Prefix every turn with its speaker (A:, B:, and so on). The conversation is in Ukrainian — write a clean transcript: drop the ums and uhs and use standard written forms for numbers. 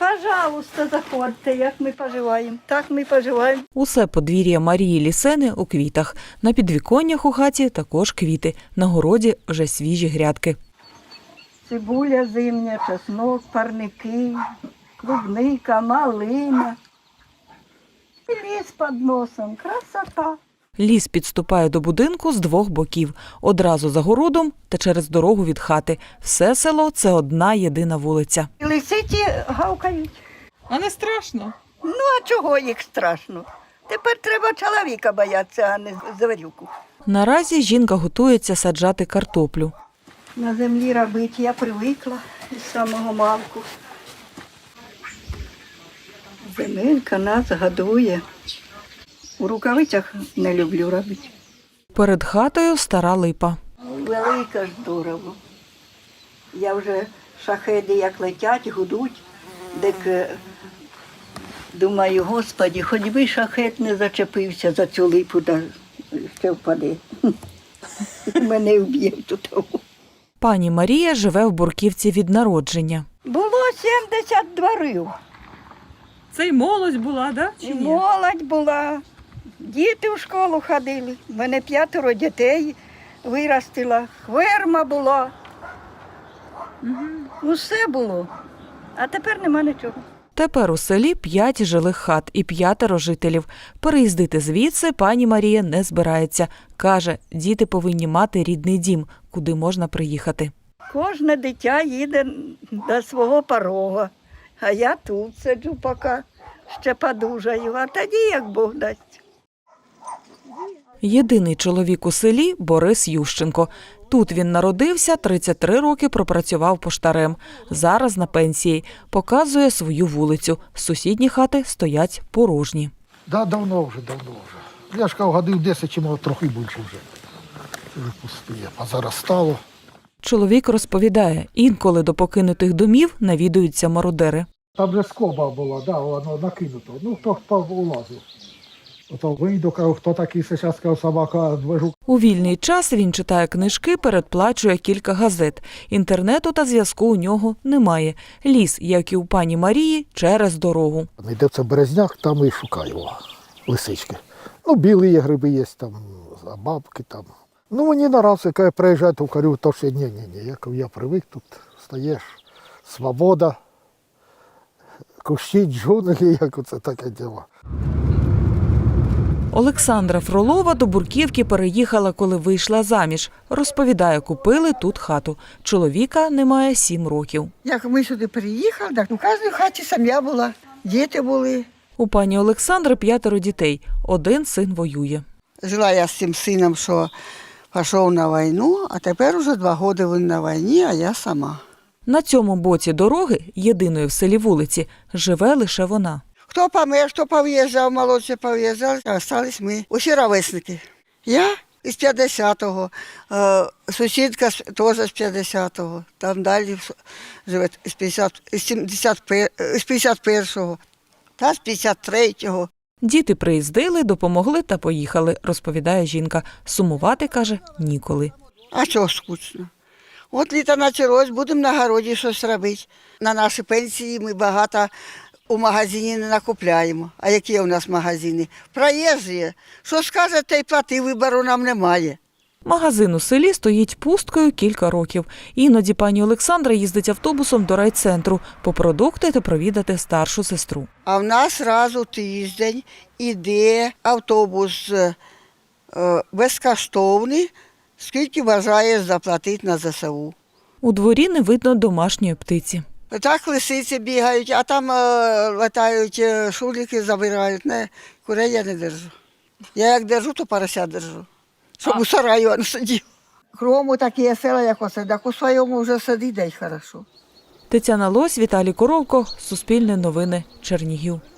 A: Пожалуйста, заходьте, як ми поживаємо. Так ми поживаємо.
B: Усе подвір'я Марії Лісени у квітах. На підвіконнях у хаті також квіти. На городі вже свіжі грядки.
A: Цибуля зимня, чеснок, парники, клубника, малина. І ліс під носом. Красота.
B: Ліс підступає до будинку з двох боків. Одразу за городом та через дорогу від хати. Все село – це одна єдина вулиця.
A: І лисиці гавкають.
C: А не страшно?
A: Ну, а чого їх страшно? Тепер треба чоловіка боятися, а не зварюку.
B: Наразі жінка готується саджати картоплю.
A: На землі робити я привикла з самого малку. Земелька нас годує. У рукавицях не люблю робити.
B: Перед хатою стара липа.
A: Велика ж здорово. Я вже шахеди як летять, гудуть, так думаю, Господи, хоч би шахет не зачепився за цю липу, да ще впаде. Мене вб'є тут.
B: Пані Марія живе в Бурківці від народження.
A: Було 70 дворів.
C: Це й молодь була, да? Чи
A: І
C: ні?
A: молодь була, діти в школу ходили. У мене 5 дітей виростила, хверма була. Усе було. А тепер нема нічого.
B: Тепер у селі 5 жилих хат і 5 жителів. Переїздити звідси пані Марія не збирається. Каже, діти повинні мати рідний дім, куди можна приїхати.
A: Кожне дитя їде до свого порога, а я тут сиджу поки ще подужаю, а тоді як Бог дасть.
B: Єдиний чоловік у селі – Борис Ющенко. Тут він народився, 33 роки пропрацював поштарем. Зараз на пенсії. Показує свою вулицю. Сусідні хати стоять порожні.
D: Да, давно вже. Я ж кажу, годів 10 чи може трохи більше вже. Це вже пустує. А зараз стало.
B: Чоловік розповідає, інколи до покинутих домів навідуються мародери.
D: Там вже скоба була, да, воно накинуто. Ну, хто улазив. Ото вийду, кажу, хто такий зараз, кажу, собака, движу.
B: У вільний час він читає книжки, передплачує кілька газет. Інтернету та зв'язку у нього немає. Ліс, як і у пані Марії, через дорогу.
D: Йде це березняк, там і шукаю лисички. Ну, білі є гриби є, там, бабки там. Ну, мені наразі, коли я приїжджаю, то кажу, то ще ні. Я привик, тут стаєш, свобода, кущі, джунглі, як оце таке діло.
B: Олександра Фролова до Бурківки переїхала, коли вийшла заміж. Розповідає, купили тут хату. Чоловіка немає 7 років.
A: Як ми сюди приїхали, так у кожній хаті сім'я була, діти були.
B: У пані Олександри 5 дітей. Один син воює.
E: Жила я з цим сином, що пішов на війну, а тепер уже 2 роки він на війні, а я сама.
B: На цьому боці дороги, єдиної в селі вулиці, живе лише вона.
E: Хто помер, хто пов'їжджав, молодші пов'їжджали, а залишились ми, усі ровесники. Я із 50-го, сусідка теж з 50-го, там далі живе з 51-го, та з 53-го.
B: Діти приїздили, допомогли та поїхали, розповідає жінка. Сумувати, каже, ніколи.
E: А чого скучно? От літо почалось, будемо на городі щось робити. На наші пенсії ми багато у магазині не накупляємо. А які у нас магазини? Проїжджі. Що скаже, те й плати, вибору нам немає.
B: Магазин у селі стоїть пусткою кілька років. Іноді пані Олександра їздить автобусом до райцентру по продукти та провідати старшу сестру.
E: А в нас раз у тиждень іде автобус безкоштовний, скільки бажає заплатити на ЗСУ.
B: У дворі не видно домашньої птиці.
E: Так лисиці бігають, а там летають шуліки, забирають. Не, курей я не держу. Я як держу, то порося держу. Щоб у сараю не сидів. Крому такі села, як оце, так у своєму вже сидить, дай хорошо.
B: Тетяна Лось, Віталій Коровко, Суспільне новини, Чернігів.